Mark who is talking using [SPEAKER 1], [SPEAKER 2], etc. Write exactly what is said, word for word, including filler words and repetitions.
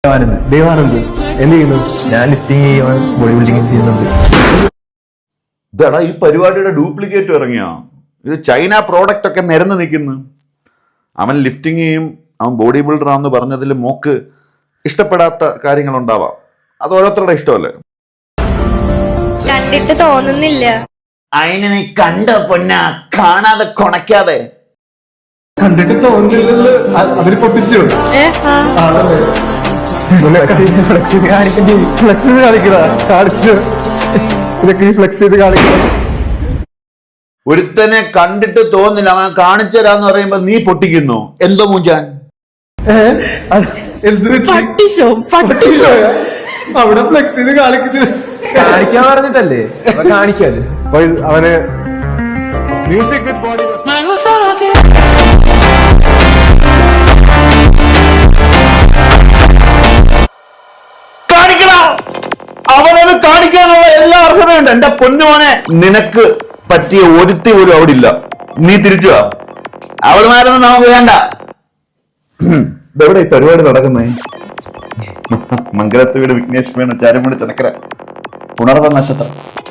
[SPEAKER 1] ദേവാനന്ദ് എന്ത് ചെയ്യുന്നു? ഞാൻ ലിഫ്റ്റിംഗ് ചെയ്യുവാൻ ബോഡി ബിൽഡിംഗ് ചെയ്യുന്നുണ്ട്.
[SPEAKER 2] ഇതാടാ ഈ പരിപാടിയുടെ ഡ്യൂപ്ലിക്കേറ്റ് ഇറങ്ങിയോ? ഇത് ചൈന പ്രോഡക്റ്റ് ഒക്കെ നിരന്ന് നിൽക്കുന്നു. അവൻ ലിഫ്റ്റിംഗ് ചെയ്യും, അവൻ ബോഡി ബിൽഡറാന്ന് പറഞ്ഞതിൽ മോക്ക് ഇഷ്ടപ്പെടാത്ത കാര്യങ്ങളുണ്ടാവാം. അത് ഓരോരുത്തരുടെ ഇഷ്ടമല്ലേ.
[SPEAKER 3] കണ്ടിട്ട് തോന്നുന്നില്ല.
[SPEAKER 2] അതിനെ നീ കണ്ട പൊന്ന കാണാതെ കൊണക്കാതെ.
[SPEAKER 1] കണ്ടിട്ട് തോന്നുന്നില്ലല്ലോ. അവര് പൊട്ടിച്ചു
[SPEAKER 3] ഏ, ആ.
[SPEAKER 1] ഫ്ലെക്സ് ചെയ്ത് കാണിക്കണ്ടേ? ഫ്ലെക്സ് ചെയ്ത് കാണിക്കണ കാണിച്ചു. ഇതൊക്കെ ഈ ഫ്ലെക്സ് ചെയ്ത് കാണിക്കണം.
[SPEAKER 2] ഒരുത്തനെ കണ്ടിട്ട് തോന്നില്ല, അവൻ കാണിച്ചു തരാന്ന് പറയുമ്പോ നീ പൊട്ടിക്കുന്നു. എന്തോ മൂഞ്ചാൻ
[SPEAKER 1] എന്ത്
[SPEAKER 3] പട്ടിഷോ പട്ടിഷോ
[SPEAKER 1] അവിടെ ഫ്ലെക്സ് ചെയ്ത് കാണിക്കുന്നില്ല. കാണിക്കാൻ പറഞ്ഞിട്ടല്ലേ കാണിക്കാല്. അവന് മ്യൂസിക് വിത്ത് ബോഡി
[SPEAKER 2] കാണിക്കണം. അവനത് കാണിക്കാനുള്ള എല്ലാ അർഹതയുണ്ട്. എന്റെ പൊന്നുമോനെ, നിനക്ക് പറ്റിയ ഒരുത്തി പോലും അവിടെ ഇല്ല. നീ തിരിച്ചു വാ. അവളുമാരൊന്നും നമുക്ക് വേണ്ട. ഇതെവിടെ ഈ പരിപാടി നടക്കുന്നേ? മംഗലത്ത് വീട് വിഘ്നേഷ് വേണു ചാരമണി ചനക്കര പുണർന്ന നക്ഷത്രം.